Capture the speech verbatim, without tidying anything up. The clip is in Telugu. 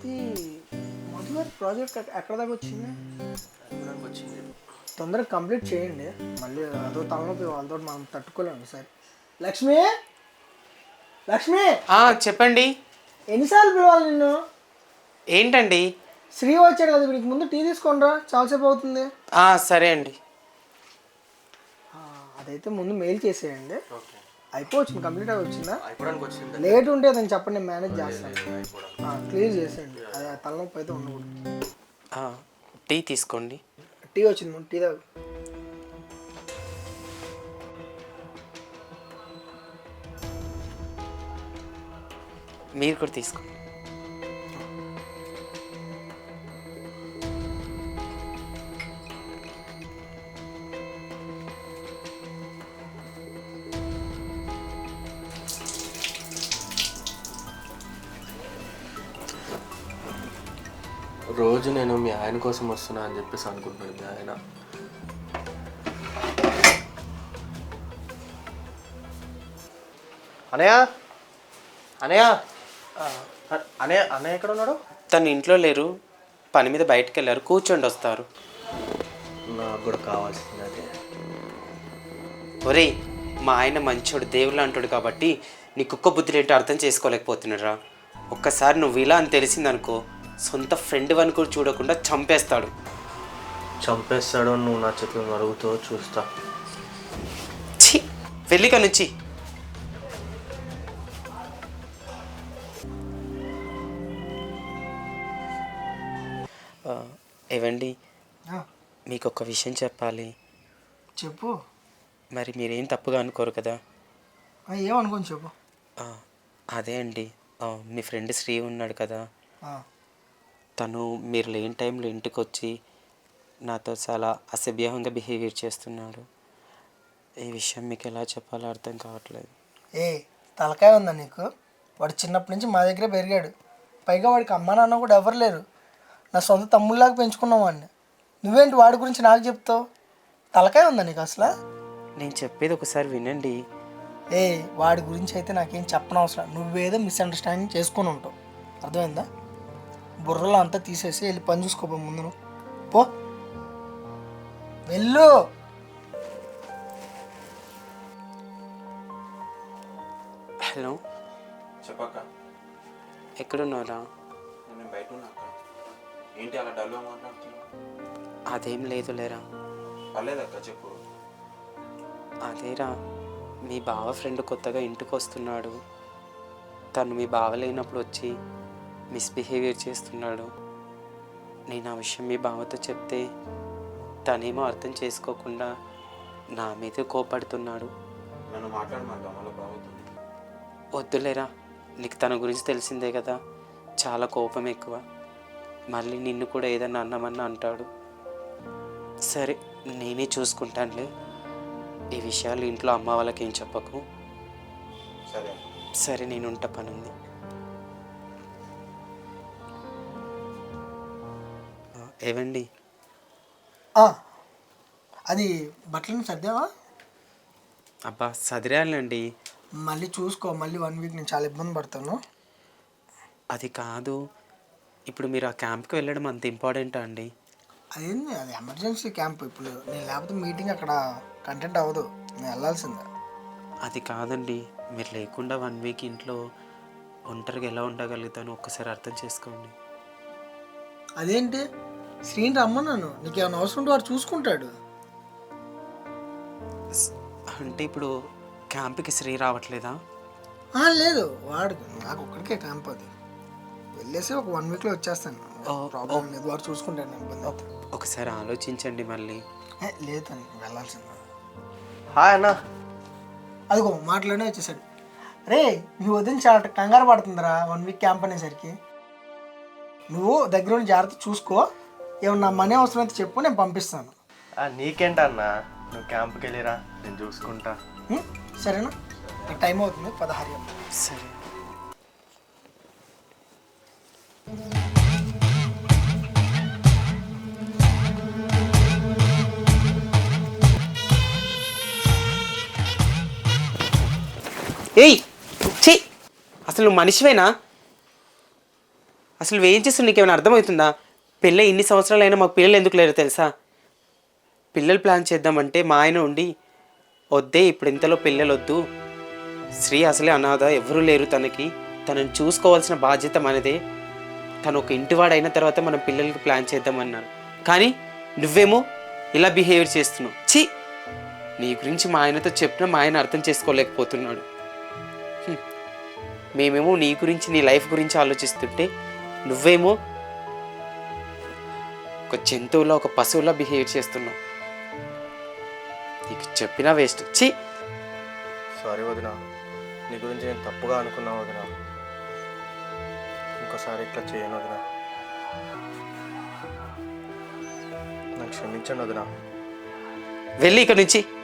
అది మధు గారి ప్రాజెక్ట్ ఎక్కడ దాకా వచ్చింది? వచ్చింది. తొందరగా కంప్లీట్ చేయండి. మళ్ళీ అదో తలనొప్పి వాళ్ళతో మనం తట్టుకోలేము సార్. లక్ష్మి, లక్ష్మి చెప్పండి. ఎన్నిసార్లు పిలవాలి నిన్ను? ఏంటండి? శ్రీ వచ్చాడు కదా, వీడికి ముందు టీ తీసుకోండిరా, చాలాసేపు అవుతుంది. సరే అండి. అదైతే ముందు మెయిల్ చేసేయండి. అయిపోవచ్చింది, కంప్లీట్ అయి వచ్చిందా? అయిపోవడానికి లేట్ ఉంటే అదని చెప్పండి, నేను మేనేజ్ చేస్తాను. క్లియర్ చేసేయండి, అది తలనొప్పి అయితే ఉండకూడదు. టీ తీసుకోండి. టీ వచ్చింది, ముందు టీ తాగు. మీరు కూడా తీసుకోండి. రోజు నేను మీ ఆయన కోసం వస్తున్నా అని చెప్పేసి అనుకుంటున్నాను. మీ ఆయన అనయ్య అనయ్య అనయ్య అన్నయ్య ఎక్కడ ఉన్నాడు? తను ఇంట్లో లేరు, పని మీద బయటకు వెళ్ళారు. కూర్చోండి, వస్తారు. నాకు కూడా కావాల్సింది అదే. ఒరేయ్, మా ఆయన మంచోడు, దేవుళ్ళు అంటాడు కాబట్టి నీ కుక్క బుద్ధులు ఏంటో అర్థం చేసుకోలేకపోతున్నారా? ఒక్కసారి నువ్వు ఇలా అని తెలిసిందనుకో, సొంత ఫ్రెండ్ అని కూడా చూడకుండా చంపేస్తాడు. చంపేస్తాడు నువ్వు నా చేతులు అడుగుతూ చూస్తా. ఛీ, వెళ్ళిక నుంచి. ఏవండి, మీకు ఒక విషయం చెప్పాలి. చెప్పు. మరి మీరేం తప్పుగా అనుకోరు కదా? ఏమనుకోని చెప్పు. అదే అండి, మీ ఫ్రెండ్ శ్రీ ఉన్నాడు కదా, తను మీరు లేని టైంలో ఇంటికి వచ్చి నాతో చాలా అసభ్యంగా బిహేవియర్ చేస్తున్నాడు. ఈ విషయం మీకు ఎలా చెప్పాలో అర్థం కావట్లేదు. ఏ తలకాయ ఉందా నీకు? వాడు చిన్నప్పటి నుంచి మా దగ్గరే పెరిగాడు. పైగా వాడికి అమ్మ నాన్న కూడా ఎవరు లేరు. నా సొంత తమ్ముళ్ళలాగా పెంచుకున్నాం వాడిని. నువ్వేంటి వాడి గురించి నాకు చెప్తావు? తలకాయ ఉందా నీకు అసలు? నేను చెప్పేది ఒకసారి వినండి. ఏ వాడి గురించి అయితే నాకేం చెప్పనవసరం. నువ్వేదో మిస్అండర్స్టాండింగ్ చేసుకొని ఉంటావు, అర్థమైందా? బుర్రలో అంతా తీసేసి వెళ్ళి పని చూసుకోపో ముందు. నువ్వు పో, వెళ్ళు. హలో చెప్పక్క. ఎక్కడున్నారా? నేను బయట ఉన్నా. ఏంటి అలా డల్గా మాట్లాడుతున్నావు? అదేం లేదు లేరా. పర్లేదక్క, చెప్పు. అదేరా, మీ బావ ఫ్రెండ్ కొత్తగా ఇంటికి వస్తున్నాడు. తను మీ బావ లేనప్పుడు వచ్చి మిస్బిహేవియర్ చేస్తున్నాడు. నేను ఆ విషయం మీ బావతో చెప్తే తనేమో అర్థం చేసుకోకుండా నా మీద కోపడుతున్నాడు. నన్ను మాట్లాడమంటావు మళ్ళీ బాగుతుంది. వద్దులేరా, నీకు తన గురించి తెలిసిందే కదా, చాలా కోపం ఎక్కువ. మళ్ళీ నిన్ను కూడా ఏదన్నా అన్నామన్నా అంటాడు. సరే, నేనే చూసుకుంటానులే. ఈ విషయాలు ఇంట్లో అమ్మ వాళ్ళకి ఏం చెప్పకు. సరే సరే, నేను ఉంట, పని ఉంది. ఏవండి, అది బట్టలను సర్దావా? అబ్బా సదిరాలండి. మళ్ళీ చూసుకో, మళ్ళీ వన్ వీక్ నేను చాలా ఇబ్బంది పడతాను. అది కాదు, ఇప్పుడు మీరు ఆ క్యాంప్కి వెళ్ళడం అంత ఇంపార్టెంటా అండి? అదేంది, అది ఎమర్జెన్సీ క్యాంప్. ఇప్పుడు నేను లేకపోతే మీటింగ్ అక్కడ కంటెంట్ అవ్వదు, నేను వెళ్ళాల్సిందే. అది కాదండి, మీరు లేకుండా వన్ వీక్ ఇంట్లో ఒంటరిగా ఎలా ఉండగలుగుతాను ఒక్కసారి అర్థం చేసుకోండి. అదేంటి, శ్రీని రమ్మన్నాను, నీకు ఏమైనా అవసరం ఉంటే వాడు చూసుకుంటాడు. అంటే ఇప్పుడు క్యాంప్కి శ్రీ రావట్లేదా? లేదు, వాడు నాకు ఒక్కడికే క్యాంప్. అది వెళ్ళేసి ఒక వన్ వీక్లో వచ్చేస్తాను. ప్రాబ్లం లేదు, వాడు చూసుకుంటాడు. ఇబ్బంది ఒకసారి ఆలోచించండి మళ్ళీ. లేదని వెళ్ళాల్సిందే. హాయ్ అన్న. అదిగో మాట్లాడే వచ్చేసాడు. రే, మీ వదిన చాలా కంగారు పడుతుందిరా వన్ వీక్ క్యాంప్ అనేసరికి. నువ్వు దగ్గర జాగ్రత్త చూసుకో. ఏమన్నా మనీ అవసరం అయితే చెప్పు, నేను పంపిస్తాను. నీకేంటన్నా, నువ్వు క్యాంప్కి వెళ్ళిరా, నేను చూసుకుంటా. సరేనా? నాకు టైం అవుతుంది, పదహారు. సరే. ఏయ్ ఛీ, అసలు నువ్వు మనిషివేనా? అసలు నువ్వేం చేస్తున్నావు నీకేమైనా అర్థమవుతుందా? పెళ్ళి ఇన్ని సంవత్సరాలు అయినా మాకు పిల్లలు ఎందుకు లేరు తెలుసా? పిల్లలు ప్లాన్ చేద్దామంటే మా ఆయన ఉండి వద్దే ఇప్పుడు ఇంతలో పిల్లలు వద్దు, శ్రీ అసలే అనాథ, ఎవరూ లేరు తనకి, తనని చూసుకోవాల్సిన బాధ్యత మనదే, తను ఒక ఇంటివాడైన తర్వాత మనం పిల్లలకి ప్లాన్ చేద్దామన్నారు. కానీ నువ్వేమో ఇలా బిహేవియర్ చేస్తున్నావు. ఛీ, నీ గురించి మా ఆయనతో చెప్పినా మా ఆయన అర్థం చేసుకోలేకపోతున్నాడు. హ్మ్. మేమేమో నీ గురించి నీ లైఫ్ గురించి ఆలోచిస్తుంటే నువ్వేమో ఒక జంతువులా ఒక పశువులా బిహేవ్ చేస్తున్నావు. నీకు చెప్పినా వేస్ట్. ఛీ. సారీ వదిన, నీ గురించి నేను తప్పుగా అనుకున్నా వదిన. ఇంకోసారి ఇట్లా చేయను వదిన, నన్ను క్షమించండి వదిన. వెళ్ళి ఇక్కడ నుంచి.